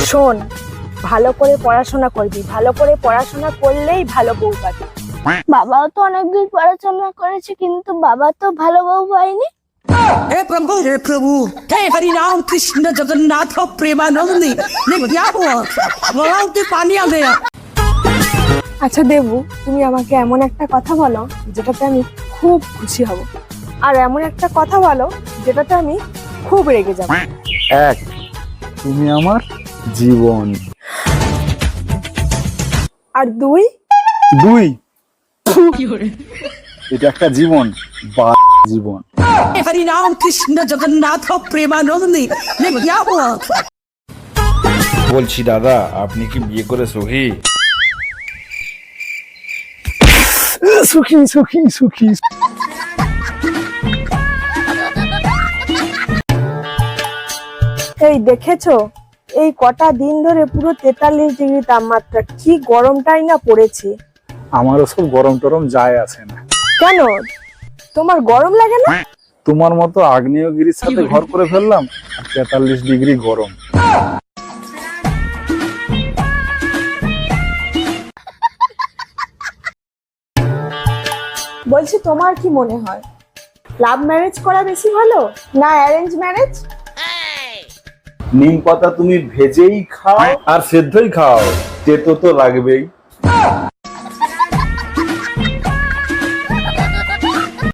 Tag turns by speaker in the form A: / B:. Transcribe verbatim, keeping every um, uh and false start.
A: শোন, ভালো করে পড়াশোনা করবি, ভালো করে পড়াশোনা করলেই ভালো বউ পাবি।
B: বাবাও তো অনেকদিন পড়াশোনা করেছে, কিন্তু বাবা তো ভালো বউ পায়নি।
C: हे प्रभु हे प्रभु हे हरि राम कृष्ण जगन्नाथ प्रेमानंदी देखो क्या हुआ बोलाते पानी आ गया।
A: আচ্ছা দেবু, তুমি আমাকে এমন একটা কথা বলো যেটাতে আমি খুব খুশি হব, আর এমন একটা কথা বলো যেটাতে আমি খুব রেগে যাব।
D: এক, তুমি আমার জীবন।
A: আর দুই,
D: দুই, এটা একটা জীবন বা জীবন।
C: हे हरि राम कृष्ण जगन्नाथ प्रेमानंदी देखो क्या हुआ।
E: বলছি দাদা, আপনি কি বিয়ে করে সুখী?
D: সুখী সুখী সুখী।
A: এই দেখেছো, এই কটা দিন ধরে পুরো তেতাল্লিশ ডিগ্রি তাপমাত্রা, কি গরমটাই না পড়েছে।
D: আমারও সব গরম টরম যায় আসে না।
A: কেন, তোমার গরম লাগে না?
D: তোমার মতো আগ্নেয়গিরির সাথে ঘর করে ফেললাম, আর তেতাল্লিশ ডিগ্রি গরম।
A: বলছি, তোমার কি মনে হয় লাভ ম্যারেজ করা বেশি ভালো না অ্যারেঞ্জ ম্যারেজ?
D: নিম পাতা তুমি ভেজেই খাও আর সেদ্ধই খাও, তেতো তো লাগবেই।